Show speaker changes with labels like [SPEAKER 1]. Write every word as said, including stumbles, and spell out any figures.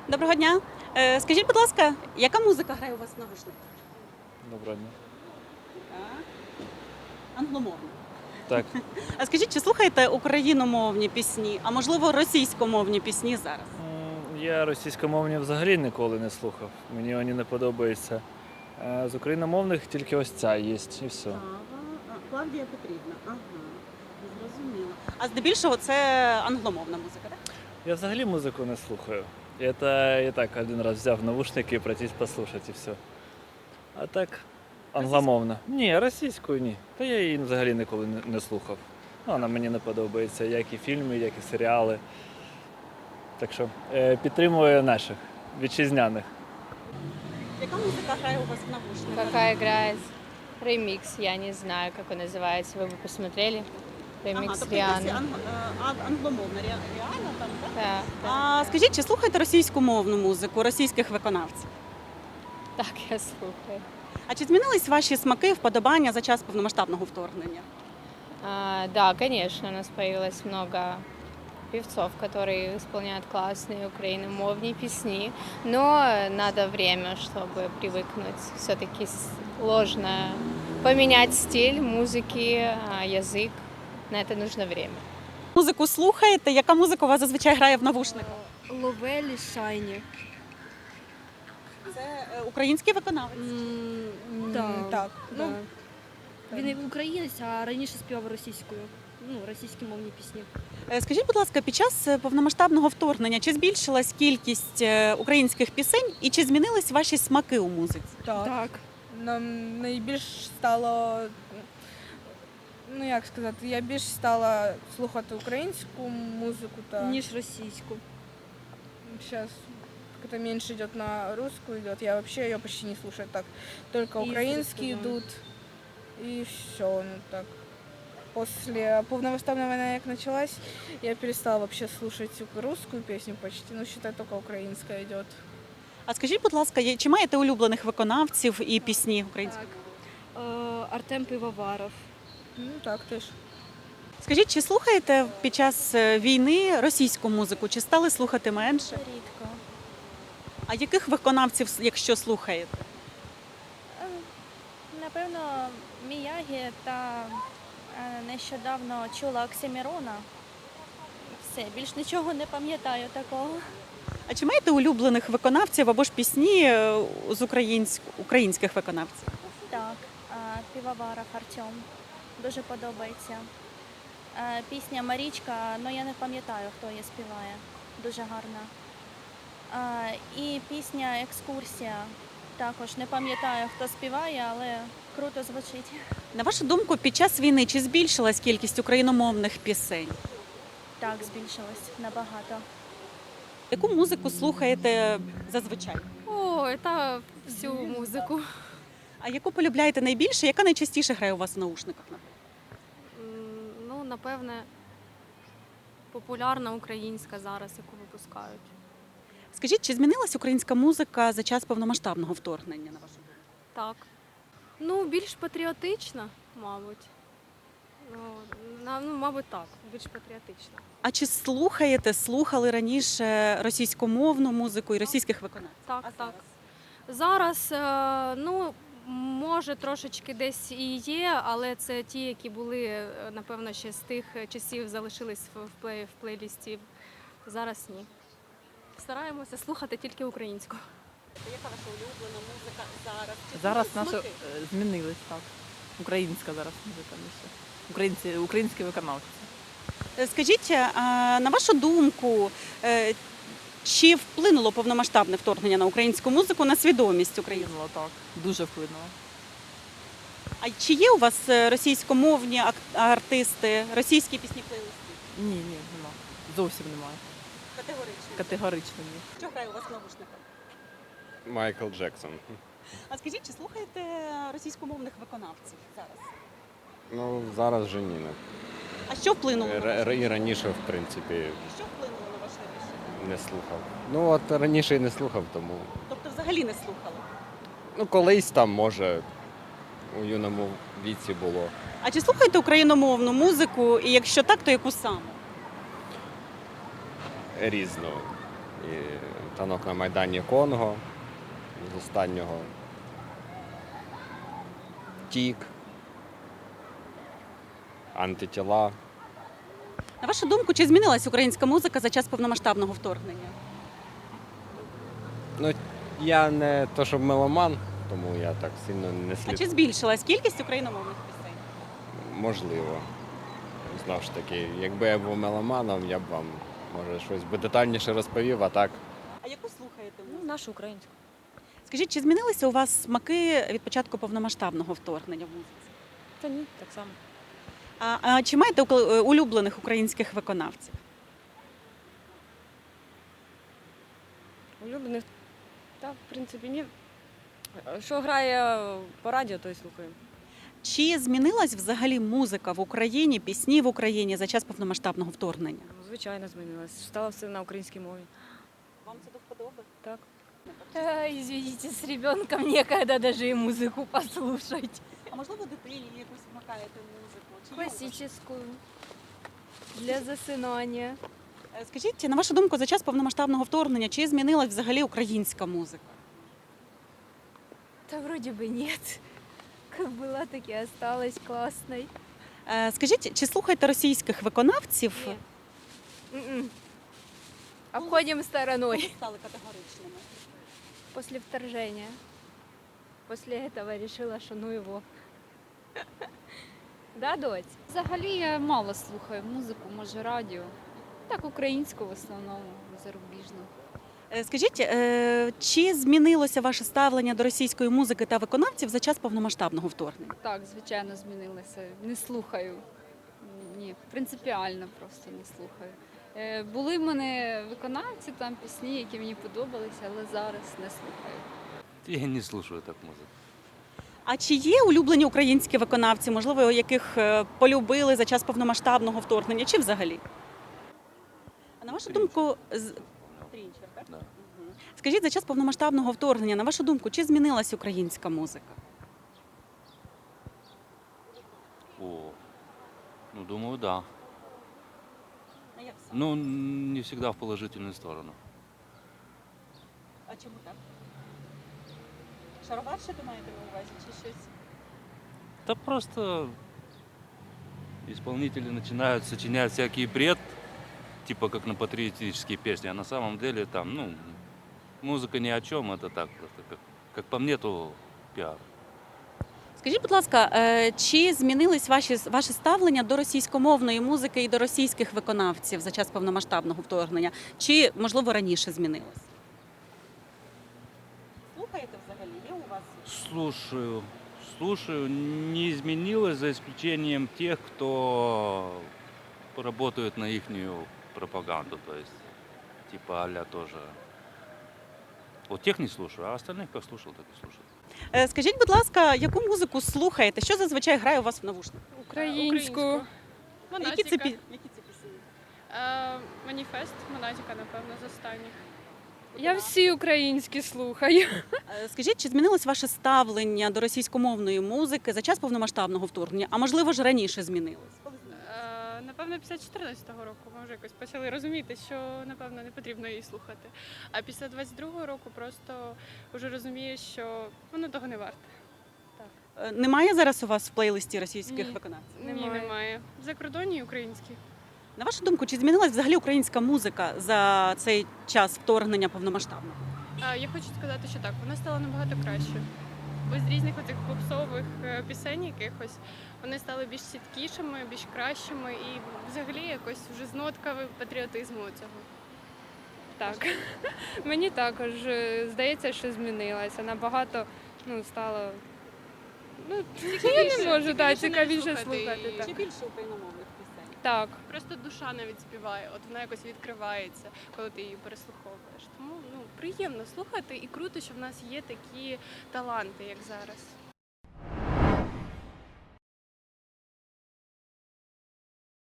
[SPEAKER 1] Доброго дня. Е, Скажіть, будь ласка, яка музика грає у вас в навушниках?
[SPEAKER 2] Доброго дня.
[SPEAKER 1] Так. Англомовна.
[SPEAKER 2] Так,
[SPEAKER 1] А скажіть, чи слухаєте україномовні пісні, а можливо російськомовні пісні зараз?
[SPEAKER 2] м, я російськомовні взагалі ніколи не слухав. Мені вони не подобаються. А з україномовних тільки ось ця є і все.
[SPEAKER 1] Клавдія Петрівна. Ага. Зрозуміло. А здебільшого це англомовна музика, так?
[SPEAKER 2] Я взагалі музику не слухаю. Это я так один раз взяв навушники і пройтись послухати і все. А так, англомовна. Ні, російською ні. Та я її взагалі ніколи не, не слухав. Ну, вона мені не подобається, як і фільми, як і серіали. Так що е, підтримую наших вітчизняних.
[SPEAKER 1] Яка музика грає у вас в навушниках?
[SPEAKER 3] Какая играет ремикс, я не знаю, как он называется. Вы бы посмотрели? Ремикс
[SPEAKER 1] Ага, тобто якась
[SPEAKER 3] Рианы.
[SPEAKER 1] анг- е, а- англомовна, ре- реально там, так?
[SPEAKER 3] Да, да.
[SPEAKER 1] А скажіть, чи слухаєте російськомовну музику, російських виконавців?
[SPEAKER 3] Так, я слухаю.
[SPEAKER 1] А чи змінились ваші смаки, вподобання за час повномасштабного вторгнення?
[SPEAKER 3] А, да, конечно, у нас появилось много певцов, которые исполняют классные украиномовные песни, но надо время, чтобы привыкнуть. Все-таки сложно поменять стиль музыки, а, язык. На это нужно время.
[SPEAKER 1] Музику слухаєте? Яка музика у вас зазвичай грає в навушниках?
[SPEAKER 4] Ловелі Шайні.
[SPEAKER 1] Це е, український виконавець.
[SPEAKER 4] Так.
[SPEAKER 5] Так,
[SPEAKER 4] Ну,
[SPEAKER 5] ну,
[SPEAKER 4] він і українець, а раніше співав російською. Ну, російські мовні пісні.
[SPEAKER 1] Е, Скажіть, будь ласка, під час е, повномасштабного вторгнення чи збільшилась кількість е, українських пісень і чи змінились ваші смаки у музиці?
[SPEAKER 5] так.
[SPEAKER 4] Так.
[SPEAKER 5] Нам найбільш стало, ну як сказати, я більш стала слухати українську музику, та
[SPEAKER 4] Ніж російську.
[SPEAKER 5] сейчас как-то меньше идет на русскую идет. Я вообще ее почти не слушаю так. Только
[SPEAKER 4] Изредка,
[SPEAKER 5] украинские
[SPEAKER 4] да.
[SPEAKER 5] идут. И все, ну так. После полномасштабной войны, как началась, я перестала вообще слушать русскую песню почти. Ну, считай, только украинская идет.
[SPEAKER 1] А скажіть, будь ласка, є- чи маєте улюблених виконавців і пісні української?
[SPEAKER 4] Так. Е, Артем Пивоваров.
[SPEAKER 5] Ну так теж.
[SPEAKER 1] Скажіть, чи слухаєте під час е, війни російську музику, чи стали слухати менше?
[SPEAKER 6] Рідко.
[SPEAKER 1] А яких виконавців, якщо слухаєте?
[SPEAKER 6] Ем, Напевно, Міягі та е, нещодавно чула Оксимірона. Все, більш нічого не пам'ятаю такого.
[SPEAKER 1] А чи маєте улюблених виконавців або ж пісні е, з українськ... українських виконавців?
[SPEAKER 6] Так, е, Півоваров Артем. Дуже подобається. Е, Пісня Марічка, але я не пам'ятаю, хто її співає. Дуже гарна. Е, І пісня Екскурсія. Також не пам'ятаю, хто співає, але круто звучить.
[SPEAKER 1] На вашу думку, під час війни чи збільшилась кількість україномовних пісень?
[SPEAKER 6] Так, збільшилось набагато.
[SPEAKER 1] Яку музику слухаєте зазвичай?
[SPEAKER 7] О, это всю музику.
[SPEAKER 1] А яку полюбляєте найбільше? Яка найчастіше грає у вас в наушниках?
[SPEAKER 7] М, Ну, напевне, популярна українська зараз, яку випускають.
[SPEAKER 1] Скажіть, чи змінилась українська музика за час повномасштабного вторгнення, на вашу думку?
[SPEAKER 7] Так. Ну, більш патріотична, мабуть. Ну, на- ну, мабуть, так, більш патріотична.
[SPEAKER 1] А чи слухаєте, слухали раніше російськомовну музику і російських виконавців?
[SPEAKER 7] Так,
[SPEAKER 1] А
[SPEAKER 7] так. Зараз, е, ну, може, трошечки десь і є, але це ті, які були, е, напевно, ще з тих часів залишились в в плей, в плейлісті. Зараз ні. Стараємося слухати тільки українську.
[SPEAKER 1] Яка ваша улюблена музика зараз? Чи
[SPEAKER 8] Зараз
[SPEAKER 1] змінились
[SPEAKER 8] наша
[SPEAKER 1] смаки?
[SPEAKER 8] е, змінились так. Українська зараз музика більше. Українці, українські виконавці.
[SPEAKER 1] Е, Скажіть, а, на вашу думку, е, чи вплинуло повномасштабне вторгнення на українську музику на свідомість українців?
[SPEAKER 8] Вплинуло так. Дуже вплинуло.
[SPEAKER 1] А чи є у вас е, російськомовні ак- артисти, російські пісні плейлисти?
[SPEAKER 8] Ні, ні, нема. Зовсім немає.
[SPEAKER 1] Категорично.
[SPEAKER 8] Категорично ні.
[SPEAKER 1] Що грає у вас в навушниках?
[SPEAKER 9] Майкл Джексон.
[SPEAKER 1] А скажіть, чи слухаєте російськомовних виконавців зараз?
[SPEAKER 9] Ну, зараз вже ні.
[SPEAKER 1] А що вплинуло на
[SPEAKER 9] Р-
[SPEAKER 1] ваше
[SPEAKER 9] І раніше, в принципі,
[SPEAKER 1] Що вплинуло на ваше рішення?
[SPEAKER 9] не слухав. Ну, от раніше і не слухав, тому.
[SPEAKER 1] Тобто взагалі не слухали?
[SPEAKER 9] Ну, колись там, може, у юному віці було.
[SPEAKER 1] А чи слухаєте україномовну музику? І якщо так, то яку саме?
[SPEAKER 9] Різно. І танок на Майдані Конго з останнього. Тік. Антитіла.
[SPEAKER 1] На вашу думку, чи змінилась українська музика за час повномасштабного вторгнення?
[SPEAKER 9] Ну, я не то, щоб меломан, тому я так сильно не
[SPEAKER 1] А
[SPEAKER 9] слід.
[SPEAKER 1] чи збільшилась кількість україномовних пісень?
[SPEAKER 9] Можливо. Знову ж таки, якби я був меломаном, я б вам, може, щось би детальніше розповів, а так.
[SPEAKER 1] А яку слухаєте?
[SPEAKER 4] Ну, нашу українську.
[SPEAKER 1] Скажіть, чи змінилися у вас смаки від початку повномасштабного вторгнення в музиці?
[SPEAKER 4] Та ні, так само.
[SPEAKER 1] А, а чи маєте укл- улюблених українських виконавців?
[SPEAKER 10] Улюблених. Та, в принципі, ні. Що грає по радіо, то й слухаємо.
[SPEAKER 1] Чи змінилась взагалі музика в Україні, пісні в Україні за час повномасштабного вторгнення?
[SPEAKER 10] Ну, звичайно, змінилось. Стало все на українській мові.
[SPEAKER 1] Вам це до вподоби?
[SPEAKER 10] Так.
[SPEAKER 7] Извините, з ребенком некогда даже и музику послушать.
[SPEAKER 1] А можливо, дитині якусь вмикаєте музику? Чи є у вас?
[SPEAKER 7] Классическую. Для засинання.
[SPEAKER 1] Е, Скажіть, на вашу думку, за час повномасштабного вторгнення чи змінилась взагалі українська музика?
[SPEAKER 7] Да вроде бы нет. Как была, так и осталась классной.
[SPEAKER 1] Е, Скажіть, чи слухаєте російських виконавців?
[SPEAKER 7] Ні. М-м. Обходим стороной.
[SPEAKER 1] Стали категоричними.
[SPEAKER 7] После вторжения. После этого решила, что ну его. Да, дочь?
[SPEAKER 11] Взагалі я мало слухаю музику, може радіо. Так, українську в основному, зарубіжну.
[SPEAKER 1] Е, Скажіть, е, чи змінилося ваше ставлення до російської музики та виконавців за час повномасштабного вторгнення?
[SPEAKER 11] Так, звичайно, змінилося. Не слухаю. Ні, принципіально просто не слухаю. Е, Були в мене виконавці, там пісні, які мені подобалися, але зараз не слухаю.
[SPEAKER 12] Я не слушаю так музыку.
[SPEAKER 1] А чи є улюблені українські виконавці, можливо, яких е, полюбили за час повномасштабного вторгнення, чи взагалі? А на вашу думку, з... Трінчер, так?
[SPEAKER 12] Да.
[SPEAKER 1] Мгм. Скажіть, за час повномасштабного вторгнення, на вашу думку, чи змінилась українська музика?
[SPEAKER 12] О, ну думаю, да.
[SPEAKER 1] А як саме?
[SPEAKER 12] Ну, не всегда в положительную сторону.
[SPEAKER 1] А чому так? Шароварше ви маєте на увазі, чи щось?
[SPEAKER 12] Да просто исполнители начинают сочинять всякий бред, типа как на патриотические песни, а на самом деле там, ну, музыка ни о чем, это так просто, как, как по мне, то пиар.
[SPEAKER 1] Скажіть, будь ласка, е, чи змінились ваші, ваше ставлення до російськомовної музики і до російських виконавців за час повномасштабного вторгнення? Чи, можливо, раніше змінилось? Слухаєте взагалі? Є у вас?
[SPEAKER 12] Слушаю, слушаю, не изменилось за исключением тех, кто работает на ихнюю пропаганду, то есть типа а-ля тоже. Вот тех не слушаю, а остальных как слушал, так и слушаю.
[SPEAKER 1] Е, Скажіть, будь ласка, яку музику слухаєте? Що зазвичай грає у вас в навушниках?
[SPEAKER 10] Українську.
[SPEAKER 1] Які це, пі- які це пісні?
[SPEAKER 10] Маніфест, Монатіка, напевно, з останніх.
[SPEAKER 1] Я
[SPEAKER 10] всі українські слухаю.
[SPEAKER 1] Е, Скажіть, чи змінилось ваше ставлення до російськомовної музики за час повномасштабного вторгнення? А можливо ж раніше змінилось?
[SPEAKER 10] Напевно, після чотирнадцятого року ми вже якось почали розуміти, що, напевно, не потрібно її слухати. А після двадцять другого року просто вже розумієш, що воно того не варте.
[SPEAKER 1] Е, Немає зараз у вас в плейлисті російських
[SPEAKER 10] Ні.
[SPEAKER 1] виконавців?
[SPEAKER 10] Ні, немає. За кордоні і українські.
[SPEAKER 1] На вашу думку, чи змінилась взагалі українська музика за цей час вторгнення повномасштабного?
[SPEAKER 10] А, я хочу сказати, що так, вона стала набагато краще. Без різних оцих попсових е, пісень якихось вони стали більш чіткішими, більш кращими і взагалі якось вже з нотками патріотизму цього. Так. Мені також е, здається, що змінилася. Набагато ну, стало. Ну, я не можу так, цікавіше слухати. Так.
[SPEAKER 1] Чи більше україномовних пісень?
[SPEAKER 10] Так, просто душа навіть співає, от вона якось відкривається, коли ти її переслуховуєш. Тому ну приємно слухати і круто, що в нас є такі таланти, як зараз.